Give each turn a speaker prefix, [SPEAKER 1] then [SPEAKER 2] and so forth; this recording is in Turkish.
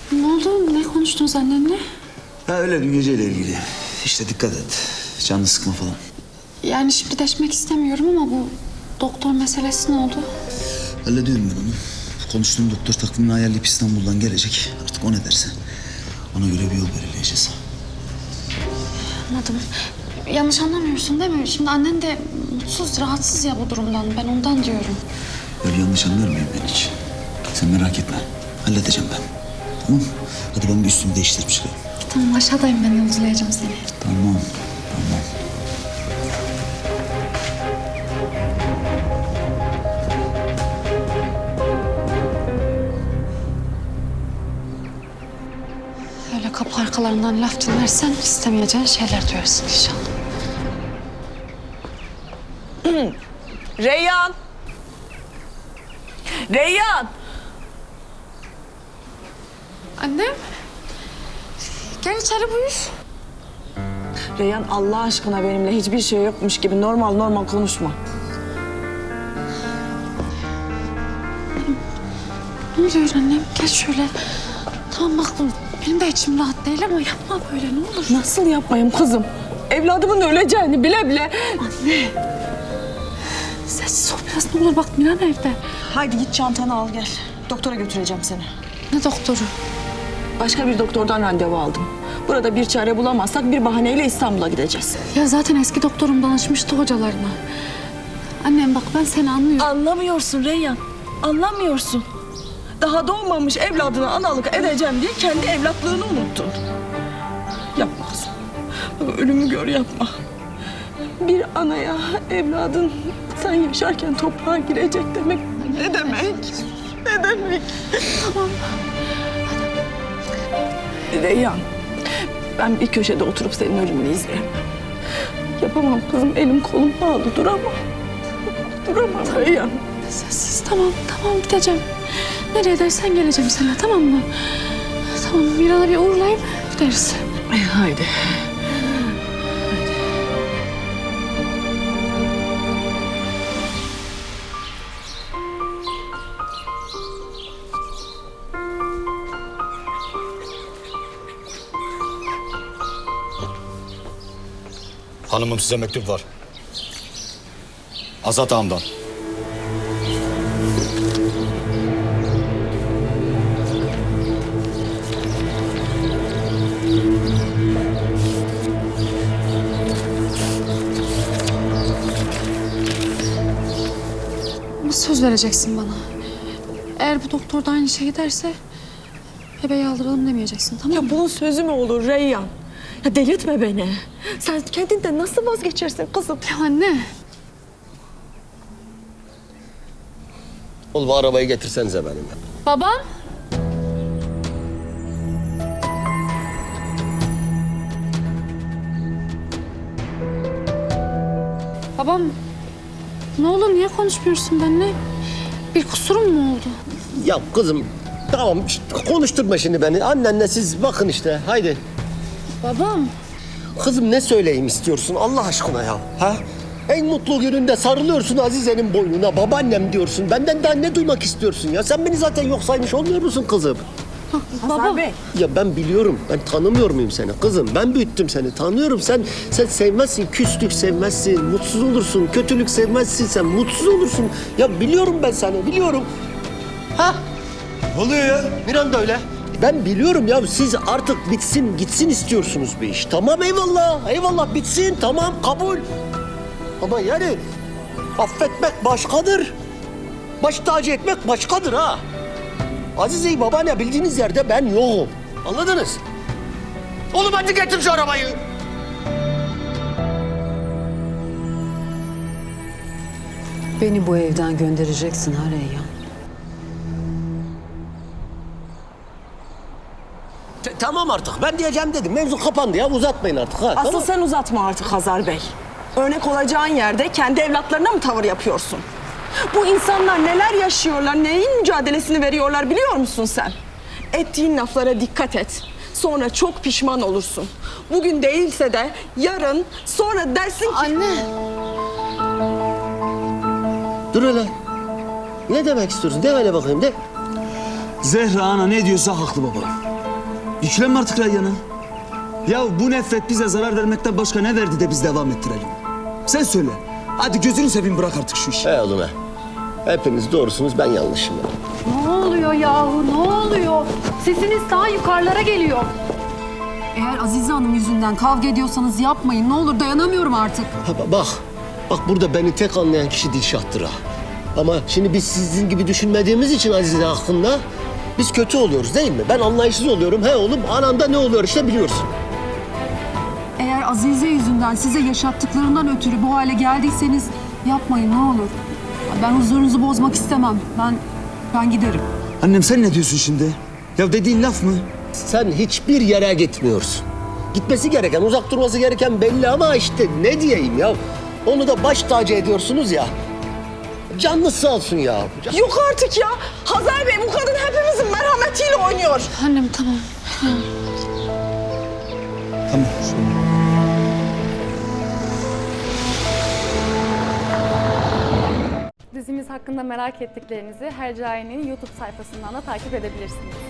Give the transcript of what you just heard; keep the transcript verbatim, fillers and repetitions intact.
[SPEAKER 1] Ne oldu? Ne konuştunuz annenle?
[SPEAKER 2] Ya öyle dün geceyle ilgili. İşte dikkat et. Canını sıkma falan.
[SPEAKER 1] Yani şimdi deşmek istemiyorum ama bu doktor meselesi ne oldu?
[SPEAKER 2] Hallediyorum ben onu. Konuştuğum doktor takvimini ayarlayıp İstanbul'dan gelecek. Artık o ne derse. Ona göre bir yol belirleyeceğiz.
[SPEAKER 1] Anladım. Yanlış anlamıyorsun değil mi? Şimdi annen de mutsuz, rahatsız ya bu durumdan. Ben ondan diyorum.
[SPEAKER 2] Böyle yanlış anlar mıyım ben hiç? Sen merak etme. Halledeceğim ben. Tamam. Hadi ben bir üstümü değiştirip çıkayım.
[SPEAKER 1] Tamam, aşağıdayım, ben yolculayacağım seni.
[SPEAKER 2] Tamam. Tamam.
[SPEAKER 1] Öyle kapı arkalarından laf dinlersen istemeyeceğin şeyler duyarsın inşallah.
[SPEAKER 3] Reyhan! Reyhan!
[SPEAKER 1] Annem, gel içeri buyur.
[SPEAKER 3] Reyhan Allah aşkına benimle hiçbir şey yokmuş gibi normal normal konuşma.
[SPEAKER 1] Ne oluyor annem? Gel şöyle. Tamam bak, benim de içim rahat değil ama yapma böyle, ne olur.
[SPEAKER 3] Nasıl yapmayayım kızım? Evladımın öleceğini bile bile.
[SPEAKER 1] Anne. Sessiz ol biraz, ne olur, bak Miran evde.
[SPEAKER 3] Haydi git çantanı al gel. Doktora götüreceğim seni.
[SPEAKER 1] Ne doktoru?
[SPEAKER 3] Başka bir doktordan randevu aldım. Burada bir çare bulamazsak bir bahaneyle İstanbul'a gideceğiz.
[SPEAKER 1] Ya zaten eski doktorum danışmıştı hocalarına. Annem bak, ben seni anlıyorum.
[SPEAKER 3] Anlamıyorsun Reyhan. Anlamıyorsun. Daha doğmamış evladına analık edeceğim diye kendi evlatlığını unuttun. Yapma kızım. Bak, ölümü gör, yapma. Bir anaya evladın sen yaşarken toprağa girecek demek ne demek? Ne demek?
[SPEAKER 1] Tamam.
[SPEAKER 3] Reyhan, ben bir köşede oturup senin ölümünü izleyemem. Yapamam kızım, elim kolum bağlı, duramam. Duramam Reyhan.
[SPEAKER 1] Sessiz, tamam, tamam, gideceğim. Nereye dersen geleceğim sana, tamam mı? Tamam, Miran'a bir uğurlayıp gideriz.
[SPEAKER 3] Haydi.
[SPEAKER 4] Hanımım, size mektup var. Azat ağamdan.
[SPEAKER 1] Ama söz vereceksin bana. Eğer bu doktor da aynı şey giderse bebeği aldıralım demeyeceksin, tamam mı?
[SPEAKER 3] Ya bunun sözü mü olur Reyhan? Ya delirtme beni. Sen kendinden nasıl vazgeçersin kızım?
[SPEAKER 1] Ya anne.
[SPEAKER 5] Oğlum arabayı getirsenize benimle.
[SPEAKER 1] Babam. Babam. Ne oldu? Niye konuşmuyorsun benimle? Bir kusurum mu oldu?
[SPEAKER 5] Ya kızım tamam işte, konuşturma şimdi beni. Annenle siz bakın işte haydi.
[SPEAKER 1] Babam.
[SPEAKER 5] Kızım ne söyleyeyim istiyorsun Allah aşkına ya? Ha? En mutlu gününde sarılıyorsun Azize'nin boynuna. Babaannem diyorsun. Benden daha ne duymak istiyorsun ya? Sen beni zaten yok saymış olmuyor musun kızım?
[SPEAKER 1] Baba.
[SPEAKER 3] Bey.
[SPEAKER 5] Ya ben biliyorum. Ben tanımıyor muyum seni kızım? Ben büyüttüm seni. Tanıyorum. Sen sen sevmezsin. Küslük sevmezsin. Mutsuz olursun. Kötülük sevmezsin. Sen mutsuz olursun. Ya biliyorum ben seni. Biliyorum. Ha?
[SPEAKER 2] Ne oluyor ya?
[SPEAKER 5] Miran da öyle. Ben biliyorum ya siz artık bitsin gitsin istiyorsunuz bir iş. Tamam eyvallah. Eyvallah bitsin. Tamam kabul. Ama yani affetmek başkadır. Baş tacı etmek başkadır ha. Azize'yi babaanne bildiğiniz yerde ben yokum. Anladınız? Oğlum hadi getir şu arabayı.
[SPEAKER 6] Beni bu evden göndereceksin ha Reyhan.
[SPEAKER 5] T- tamam artık ben diyeceğim dedim. Mevzu kapandı ya uzatmayın artık. Ha,
[SPEAKER 3] Asıl
[SPEAKER 5] tamam.
[SPEAKER 3] sen uzatma artık Hazar Bey. Örnek olacağın yerde kendi evlatlarına mı tavır yapıyorsun? Bu insanlar neler yaşıyorlar, neyin mücadelesini veriyorlar biliyor musun sen? Ettiğin laflara dikkat et. Sonra çok pişman olursun. Bugün değilse de yarın, sonra dersin ki...
[SPEAKER 1] Anne.
[SPEAKER 5] Dur hele. Ne demek istiyorsun? De hele bakayım de.
[SPEAKER 2] Zehra ana ne diyorsa haklı baba. Yüklenme artık Reyyan'a. Ya bu nefret bize zarar vermekten başka ne verdi de biz devam ettirelim? Sen söyle. Hadi gözünü seveyim bırak artık şu işi.
[SPEAKER 5] He oğlum he. Hepiniz doğrusunuz, ben yanlışım.
[SPEAKER 6] Ne oluyor yahu ne oluyor? Sesiniz daha yukarılara geliyor. Eğer Azize Hanım yüzünden kavga ediyorsanız yapmayın. Ne olur dayanamıyorum artık.
[SPEAKER 5] Ha, ba- bak, bak burada beni tek anlayan kişi Dilşah'tır ha. Ama şimdi biz sizin gibi düşünmediğimiz için Azize hakkında biz kötü oluyoruz değil mi? Ben anlayışsız oluyorum. He oğlum, ananda ne oluyor işte biliyorsun.
[SPEAKER 6] Eğer Azize yüzünden size yaşattıklarından ötürü bu hale geldiyseniz yapmayın ne olur. Ben huzurunuzu bozmak istemem. Ben ben giderim.
[SPEAKER 2] Annem sen ne diyorsun şimdi? Ya dediğin laf mı?
[SPEAKER 5] Sen hiçbir yere gitmiyorsun. Gitmesi gereken, uzak durması gereken belli ama işte ne diyeyim ya. Onu da baş tacı ediyorsunuz ya. Canınız sağ olsun ya.
[SPEAKER 3] Yok artık ya. Hazar Bey bu kadın hepimizin merhametiyle oynuyor.
[SPEAKER 1] Annem tamam.
[SPEAKER 2] Tamam.
[SPEAKER 7] Dizimiz hakkında merak ettiklerinizi Hercai'nin YouTube sayfasından da takip edebilirsiniz.